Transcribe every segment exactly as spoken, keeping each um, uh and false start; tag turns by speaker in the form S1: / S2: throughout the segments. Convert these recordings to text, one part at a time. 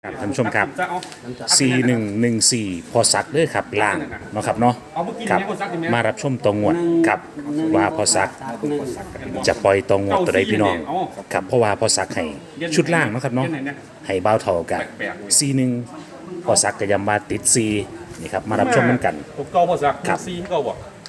S1: ครับท่านผู้ชมครับ สี่หนึ่งหนึ่งสี่ พอสักเด้อครับล่างเนาะครับเนาะครับมารับชมตรงงวดครับว่าพอสักจะปล่อยตรงงวดตัวใดพี่น้องครับเพราะว่าพอสักให้ชุดล่างเนาะครับเนาะให้เบ้าเท่ากัน สี่หนึ่ง พอสักก็ยำมาติดสี่นี่ครับมารับชมกันกัน
S2: ผมเก่าพอสัก
S1: ครับ
S2: ซีเก่าบ่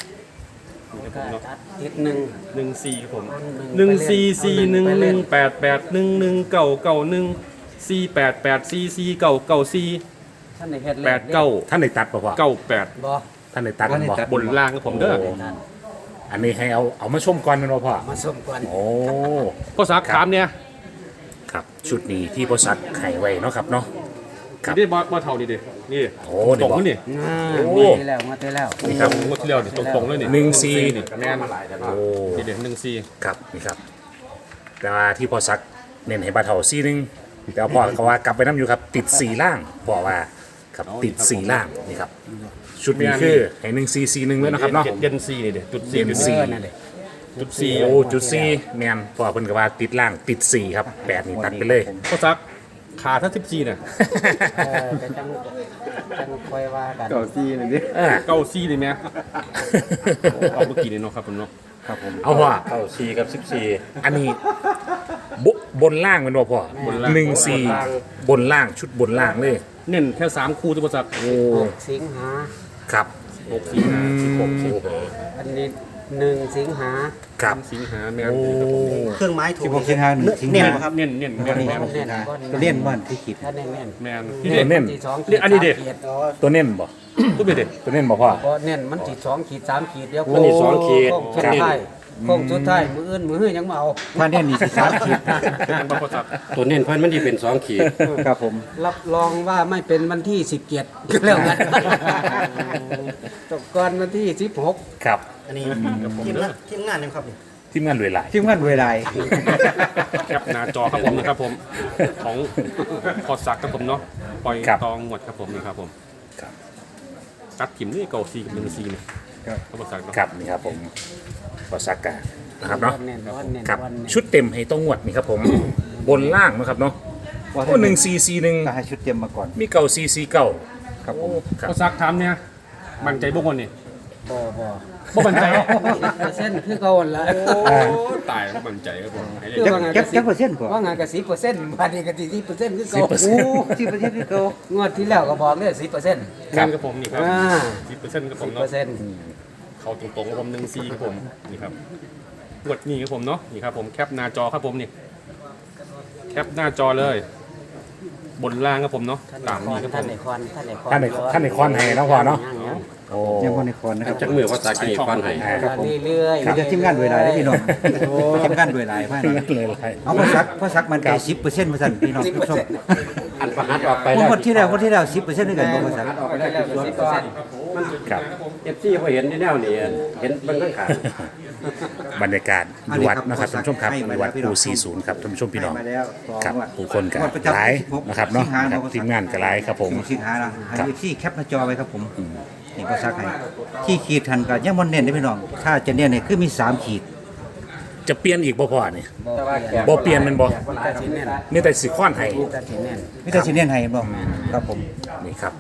S3: ติดหนึ่ง
S2: หนึ่งสี่ครับผมหนึ่งสี่สี่หนึ่งหนึ่งแปดแปดหนึ่งหนึ่งเก่าเก่าหนึ่งสี่แปดแปดสี่สี่เก่าเก่าสี่
S3: ท่านในเฮ็ด
S2: แปดเก้า
S1: ท่านได้ตัดบ่พ่อ
S2: เก้าแปด
S3: บ่
S1: ท่านได้ตัดบ่
S2: บนล่างครับผมเด้อ
S1: โอ้ อันนี้ให้เอาเอามาชมก่อนแม่นบ่พ่อ
S3: มาสมก่อน
S1: โอ้
S2: พอสักถามเนี่ย
S1: ครับชุดนี้ที่พอสักไขไว้เนาะครับเนาะ ครับ
S2: นี่บ่บ่เท่านี่ดินี่
S1: โอ้
S2: ต
S1: เดี๋
S2: ร
S1: ยว
S2: ง
S1: บอก
S2: นี่
S3: อ่า
S1: โอ้
S3: มาที่แล้วมาที่แล้ว
S1: นี่ครับ
S2: งวดที่แล้วนี่ตรงๆเลยนี่
S1: หนึ่งสี่
S2: นี่แม่น
S1: โอ้
S2: นี่เด็ดหนึ่งสี่
S1: ครับนี่ครับแต่ว่าที่พอสักเน้นให้บาเท่าซีหนึงแต่ว่าพ่อเขาว่ากลับไปน้ำอยู่ครับติดสี่ล่างพ่อว่าครับติดสี่ล่างนี่ครับชุดนี้คือให้หนึ่งซีซีหนึ่งเลยนะครับเนาะ
S2: เด่นสี่นี่เด็ดจุดสี่
S1: เด่น
S3: เอ
S1: สี่
S3: อนั่นแหละ
S2: จุดสี่
S1: โอ้จุดสี่แมนพ่อเพิ่นก็ว่าติดล่างติดสี่ครับแปดนี่ตัดไปเลย
S2: พอสักขาถ้าสิบสี่เนี่ย
S3: เออแต่จังจังค่อยว่ากัน
S4: เก่าซีนั่นดิ
S1: เออ
S2: เก้าสี่เลยไหมเอาเมื่อกี้นี่เนาะครับผมเนาะ
S4: ครับผม
S1: เอาพ่อ
S4: เก่าซีกับสิบสี่
S1: อันนี้บบนล่างแมันบ่พ่อบหนึ่งสี่บนล่างชุดบนล่างเลย
S2: เน้นแค่สามคู่ที่พอสัก
S1: โอ้
S3: หกสิงหา
S1: ครับ
S2: หกสิงหาสิบหกสิงหา
S3: อันนี้หนึ่งสิงหา
S1: ครับ
S2: สิงหาแม่น
S1: โอ้
S5: เครื่องไม้ถู
S4: สิ
S5: ก
S4: บหกสิงหาหนึ่งสิง
S2: เน้น
S4: หา
S2: ครับเน้นเน้นแม่นแม่น
S3: บ่เน้นบ่
S4: ก็เลี่ยนบ้านที่ขีด
S3: ถ้าเน้นเน้น
S2: แม่น
S1: ที่เน้น
S3: ขีดสอง
S2: เรียกอันนี้ดิ
S3: สามขีด
S1: ตัวเน้นบ่
S2: ทุกเบ็ดเด็ด
S1: ตัวเน้นบ่พ่อ
S3: บ่เน้นมันขีดสองขีดสามขีดเดียว
S1: อันนี้สองขีด
S3: โค้งสุดท้ายโค้งสุดท้ายมืออื่นมือหื้อยังมาเอา
S4: ถ้าเนี่ยนี่สิสามขีด
S2: เป็นบางคนสัก
S6: ตัวเน้นเพันมันที่เป็นสองขีด
S4: ครับผม
S3: รับรองว่าไม่เป็นวันที่สิบเจ็ดแล้วกันตกก่อนวันที่สิบหก
S1: ครับ
S5: อันนี้ทีมงานทีมงานยังครับนี่
S1: ทีมงานรวยหลาย
S4: ทีมงานเวลา
S2: แคปหน้าจอครับผมนะครับผมของพอสักครับผมเนาะปล่อยตองหมดครับผมนี่ครับผม
S1: ครับ
S2: ตัดถิ่มนี่เก่าซีกับหนึ่งซีเนี่ยครับพอสักเนาะ
S1: ครับนี่ครับผมพอสักกะนะครับเนาะ
S3: เน้นวันเน้น
S1: ครับ
S3: วันเน้น
S1: ชุดเต็มให้ต้องงวดนี่ครับผม บนล่างนะครับเนาะ
S4: ว่า
S1: โอ้หนึ่งซีซีหนึ่ง
S4: ก็ให้ชุดเต็มมาก่อน
S1: มีเก่าซีซีเก่า
S4: ครับผม
S1: ครับ
S2: พอสักถามเนี่ยมั่นใจบุคคลนี่
S3: บ่บ่
S2: บ่มั่นใจ
S3: เปอร์เซ็นต์คือเก่าหั่นละ
S2: โอ้ตายแล้วมั่นใจครับผมให้เลย
S4: จักจักจักเปอร์เซ็นต์ก่อน
S3: ว่างานกับสิบเปอร์เซ็นต์บัดนี้ก็สิสิบเปอร์เซ็นต์คือเก่า
S4: โอ้ที่ประเทศที่เขา
S3: งวดที่แล้วก็บอกเลยสิบเปอร์เซ็นต์
S2: เงินกับผมนี่ครับ
S3: อ่า
S2: สิบเปอร์เซ็นต์กับผ
S3: สิ
S2: ม
S3: บเปอ
S2: เนาะ
S3: ร์เซ็นต์
S2: เขาตรงๆกับผมหนึ่งซีครับผมนี่ครับกดนี่ครับผมเนาะนี่ครับผมแคปหน้าจอครับผมนี่แคปหน้าจอเลย บนล่างครับผมเนาะ
S3: ท่าน
S2: ตามนี้ครับผ
S3: ท่าน
S2: ม
S3: ในคอนท่านในคอน
S1: ท่านในท่านในคอนให้นะพ่อเนาะโอ้
S4: ยังคนในคอนนะครับ
S6: จักมือว่าตากินก้อนไห้
S4: ครับผม
S3: เรื่อยๆ
S4: มีแต่ทีมงานเวลาได้พี่น้องทีมงานเวลาพ่าย
S1: เลยเลย
S4: เอาพ่อซักพ่อซักมันใจสิบเปอร์เซ็นต์มาสั่นพี่น้องผู้ชม
S6: อันประหัดออกไป
S4: ผม
S6: แล้ว
S4: หมดที่แล้วหมดที่แล้วสิบเปอร์เซ็นต์ด้วยกันพ่อซัก
S3: ออกไปแล้วสิบเปอร์เซ็นต์
S1: ครับ
S6: เอฟซีพอเห็นที่แนวนี่เห็นเบิ่งข้างขาง
S1: บรรยากาศอยู่วัดนะครับท่านผู้ชมครับอยู่วัดปูสี่ศูนย์ครับท่านผู้ชมพี่น้อง
S4: ให้มาแล้วสอง
S1: ครับ
S4: งวด
S1: ผู้คนกับ
S4: งวดประจำ
S1: หลาย
S4: สิบหก
S1: นะครับเนาะ
S4: สิงห
S1: ครับ
S4: พ่อซัก
S1: ทีมงานกับหลายครับผม
S4: สิงหาละให้
S1: ครับ
S4: ที่แคปหน้าจอไว้ครับผมนี่พ่อซักให้ที่ขีดทันก็ยังบ่เน้นได้พี่น้องถ้าจะเน้นเนี่ยคือมีสามขีด
S1: จะเปลี่ยนอีกบ่พ่อนี่
S3: บ่เปลี่ยน
S1: บ่เปลี่ยนแมันบ่
S3: แต่สิแน่น
S1: นี่แต่สิค้อนให้
S3: แต่สิแน่น
S4: มิตรสิเนียนให้บ่ครับผม
S1: นี่ครับ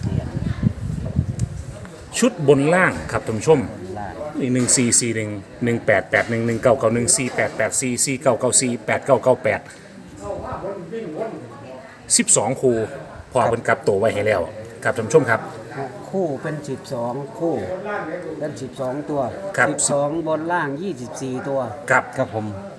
S1: ชุดบนล่างครับท่านผู้ชม
S3: ล่าง
S1: นี่หนึ่งสี่สี่หนึ่งหนึ่งแปดแปดหนึ่งหนึ่งเก้าเก้าหนึ่งสี่แปดแปดสี่สี่เก้าเก้าสี่แปดเก้าเก้าแปดสิบสองคู่พอเพิ่นกลับตัวไว้ให้แล้วครับท่านผู้ชมครับ
S3: คู่เป็นสิบสองคู่เป็นสิบสองตัว
S1: ครับ
S3: สิบสองบนล่างยี่สิบสี่ตัว
S1: ครับ
S4: ครับผม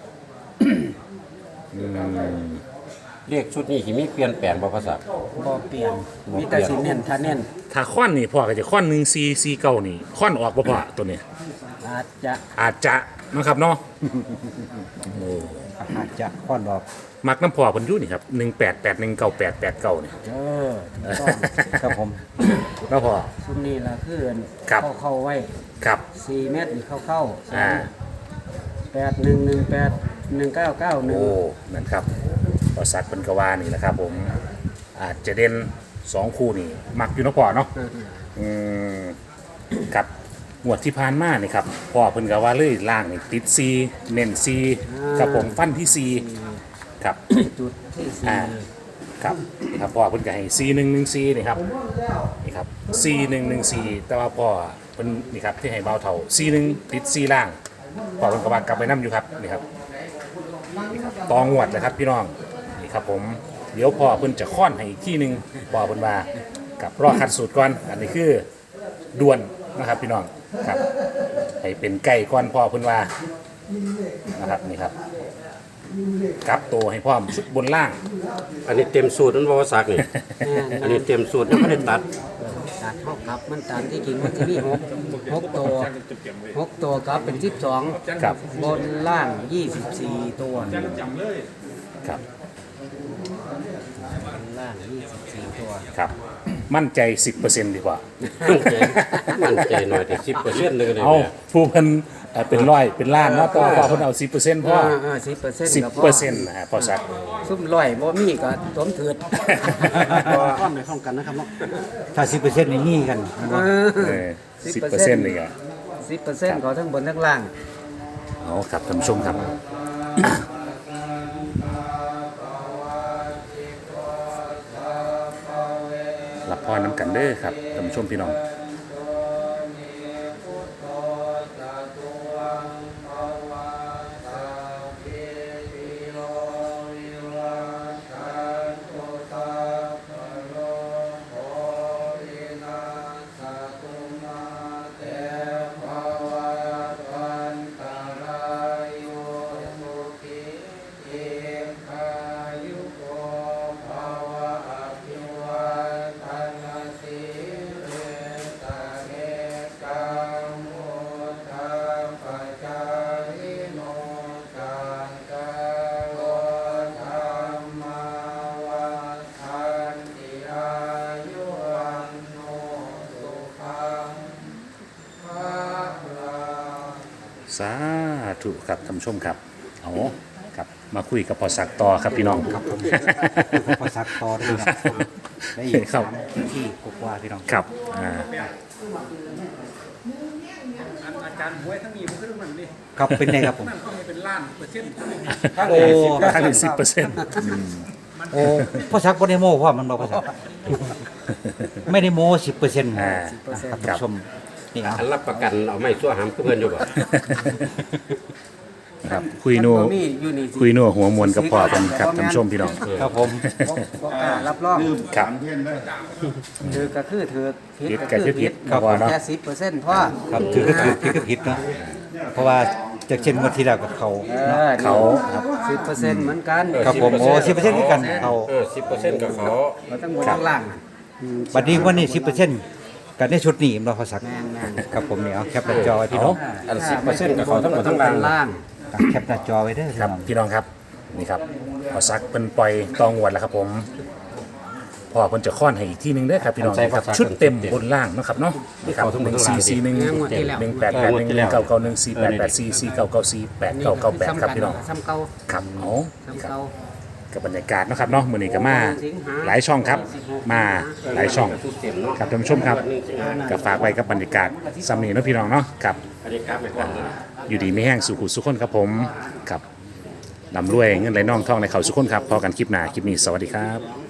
S6: เรียกชุดนี้ที่มีเปลี่ยนแปลงบ่ภาษา
S3: บ่เปลี่ยนมีแต่สิเน้นถ้าเน้น
S1: ถ้าค้อนนี่พ่อก็จะค้อนหนึ่งสี่สี่เก้านี่ค้อนออกบ่พ่อตัวนี้
S3: อาจจะ
S1: อาจจะนะครับเนาะ
S4: อาจจะค่อนออก
S1: มักน้ำพ่อเพิ่นอยู่นี่ครับหนึ่งแปดแปดหนึ่งเก้าแปดแปดเก้านี่
S3: เออถูกต้อง
S4: ครับผม
S1: แล้วพ่อ
S3: ซุมนี้ละคือ
S1: ครับ
S3: เข้าเข้าไว้
S1: ครับ
S3: สี่เมตรนี่เข้าเข้า
S1: อ่า
S3: แปดหนึ่งหนึ่งแปดหนึ่งเก้าเก้าหนึ่ง
S1: โอ้นั่นครับพอสักเป็นกว่านี่แหละครับผมอาจจะเด่นสองคู่นี่มักอยู่เนาะพ่อเนาะอืมครับงวดที่ผ่านมานี่ครับพ่อเพิ่นก็ว่าเลยล่างนี่ติดซีเน้นซีครับผมฟันที่ซีครับ
S3: จุดที่สี่
S1: อ่าครับครับพ่อเพิ่นก็ให้สี่หนึ่งหนึ่งสี่นี่ครับนี่ครับสี่หนึ่งหนึ่งสี่แต่ว่าพ่อเพิ่นนี่ครับที่ให้เบาเท่าสี่หนึ่งติดสี่ล่างพ่อเพิ่นก็ว่ากลับไปนํอยู่ครับนี่ครับนี่ครับตองวดเลยครับพี่น้องนี่ครับผมเดี๋ยวพ่อเพิ่นจะค้อนให้อีกที่หนึ่งพ่อเพิ่นว่ากับรอคัดสูตรก่อนอันนี้คือด่วนนะครับพี่น้องครับให้เป็นไก่ก่อนพ่อเพิ่นว่านะครับนี่ครับกลับตัวให้พร้อมชุดบนล่าง
S6: อันนี้เต็มสูตรนั่นบ่ซักนี่ อันนี้เต็มสูตรยังไม่ได้ตัด
S3: ตัดเท่ากับมันตามที่จริงมันจะมีหกหกตัวหกตัวครับเป็นสิบสอง
S1: ครับ
S3: บนล่างยี่สิบสี่ตัว
S1: ครับ
S3: บนล่างยี่สิบสี่ตัว
S1: ครับมั่นใจ สิบเปอร์เซ็นต์ ดีกว่า
S6: มั่นใจมั่นใจหน่อยแต่สิบเปอร์เซ็นต์เลยก็ได้
S1: เอาผู้เพิ่นเอ่อเป็นร้อยเป็นล้านเนาะต่อพอเพิ่นเอา สิบเปอร์เซ็นต์พอ
S3: สิบเปอร์เซ็นต์
S1: สิบเปอร์เซ็นต์นะฮะพอสัก
S3: ซุ่มร้อยบ่มีก็สมเถิด
S5: ความในห้องกันนะครับเนาะ
S4: ถ้าสิบเปอร์เซ็นต์นี่หนี่กันมันว่า
S1: เออสิบเปอร์เซ็นต์นี่ก็
S3: สิบเปอร์เซ็นต์ของทั้งบนทั้งล่าง
S1: เอาครับท่านผู้ชมครับ รับพรน้ำกันเด้อครับท่านผู้ชมพี่น้อง สาธุครับท่านผู้ชมครับเอาครับมาคุยกับพอสักต่อครับพี่น้องครับ
S4: พอสักต่อได้ครับได้อีก
S1: ครับ
S4: สามที่กว่าๆพี่น้อง
S1: ครับอ่า
S4: ครับเป็นไงครับผม
S1: โอ้ค่าถึงสิบเปอร์เซ็นต์
S4: โอ้พอสักบ่ได้โม้เพราะมันบ่พอสักไม่ได้โม้สิบเปอร์เซ็นต์
S1: อ่า
S4: ครับท่านผู้ชมนี่เอา
S6: อันรับประกันเอาไม่ชั่วหามคือเพิ่นอยู่บ่
S1: ครับคุยนัว
S3: บ่มีอยู่นี่สิ
S1: คุยนัวหัวมวลกับพ่อเป็นครับท่านผู้ชมพี่น้อง
S4: ครับผม
S3: บ่บ่กล้ารับรอง
S1: ครับ
S3: ถือก็คือถือผิด
S1: ผิด
S3: ก็
S1: ก็
S3: คือ
S1: คือผิ
S3: ผิ
S1: ด
S3: ด
S1: ครับว่าเนาะ
S3: แค่สิบเปอร์เซ็นต์พอ
S4: ครับถือก็คือผิดก็ผิดเนาะเพราะว่าจากเช่นงวดที่แล้วกับเขา
S3: เออ
S1: เขา
S3: สิบเปอร์เซ็นต์เหมือนกัน
S4: ครับผมโอ้สิบเปอร์เซ็นต์ที่กันเขา
S6: เออสิบเปอร์เซ็นต์กับเขา
S3: เราต้องบนทั้งล่างน่ะ
S4: บัดนี้วันนี้สิบเปอร์เซ็นต์กันในชุดนี้เราพอสัก
S3: แม่นแม่น
S4: ครับผมเนี่ยเอาแคปหน้าจอไว้พี่น้อง
S6: อันสิบเปอร์เซ็นต์กับเขาทั้งหมดทั้งราง
S3: ล่าง
S4: แคปหน้าจอไว้เด้อ
S1: ครับ
S4: พี่น้อง
S1: พี่น้องครับนี่ครับพอสักเป็นปล่อยตองวดแล้วครับผมพ่อเพิ่นจะค้อนให้อีกที่หนึงเด้อครับพี่น้องครับชุดเต็มบนล่างเนาะครับเนาะนี่ครับหนึ่งสี่สี่หนึ่งหนึ่งแปดแปดหนึ่งหนึ่งเก้าเก้าหนึ่งสี่แปดแปดสี่สี่เก้าเก้าสี่แปดเก้าเก้าแปดครับพี่น้อง
S3: ซ้ำเก่า
S1: ครับเอา
S3: ซ้ำ
S1: ครับ
S3: เก่า
S1: กับบรรยากาศเนาะครับเนาะมื้อนี้ก็มาหลายช่องครับ มาหลายช่องครับท่านผู้ชมครับก็ฝากไว้กับบรรยากาศซ้ำนี้เนาะพี่น้องเนาะครับ
S6: อันนี้กราฟไปก่อนนะ
S1: อยู่ดีไม่แห้งสุขุสุขคนครับผมครับลำรวยเงินไหลน่องท่องในเขาสุขคนครับพอกันคลิปหน้าคลิปนี้สวัสดีครับ